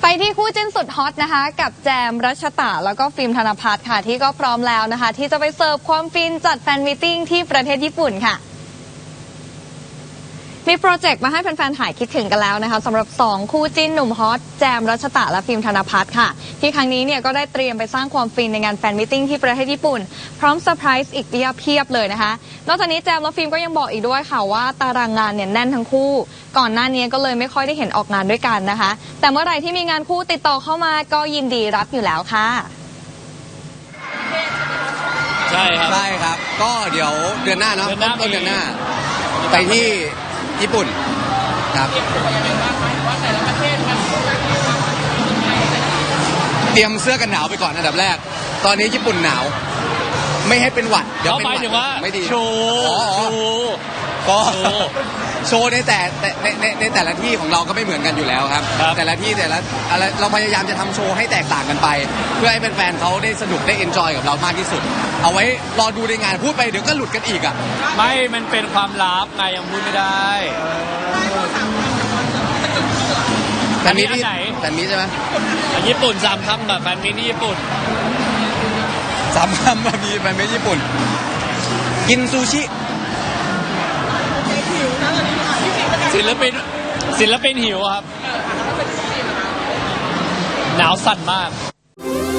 ไปที่คู่จิ้นสุดฮอตนะคะกับแจมรัชตะแล้วก็ฟิล์มธนภัทรค่ะที่ก็พร้อมแล้วนะคะที่จะไปเสิร์ฟความฟินจัดแฟนมีตติ้งที่ประเทศญี่ปุ่นค่ะมีโปรเจกต์มาให้แฟนๆหายคิดถึงกันแล้วนะคะสำหรับ2คู่จิ้นหนุ่มฮอตแจมรัชตะและฟิล์มธนภัทรค่ะที่ครั้งนี้เนี่ยก็ได้เตรียมไปสร้างความฟินในงานแฟนมีตติ้งที่ประเทศญี่ปุ่นพร้อมเซอร์ไพรส์อีกเพียบเลยนะคะนอกจากนี้แจมและฟิล์มก็ยังบอกอีกด้วยค่ะว่าตารางงานเนี่ยแน่นทั้งคู่ก่อนหน้านี้ก็เลยไม่ค่อยได้เห็นออกงานด้วยกันนะคะแต่เมื่อไหร่ที่มีงานคู่ติดต่อเข้ามาก็ยินดีรับอยู่แล้วค่ะใช่ครับก็เดี๋ยวเดือนหน้าเนาะต้นเดือนหน้าไปที่ญี่ปุ่นครับเตรียมเสื้อกันหนาวไปก่อนอันดับแรกตอนนี้ญี่ปุ่นหนาวไม่ให้เป็นหวัดเดี๋ยวเป็นหวัดไม่ดีโชว์ก็โชว์ในแต่ละที่ของเราก็ไม่เหมือนกันอยู่แล้วครับแต่ละที่แต่ละอะไรเราพยายามจะทำโชว์ให้แตกต่างกันไปเพื่อให้แฟนๆเขาได้สนุกได้เอนจอยกับเรามากที่สุดเอาไว้รอดูในงานพูดไปเดี๋ยวก็หลุดกันอีกอ่ะไม่มันเป็นความลับไงยังพูดไม่ได้แฟนมิตรแฟนมิตรใช่ไหมญี่ปุ่น3 คำแบบแฟนมิตรที่ญี่ปุ่น 3 คำแบบมีแฟนมิตรญี่ปุ่นกินซูชิศิลปินหิวครับหนาวสั่นมาก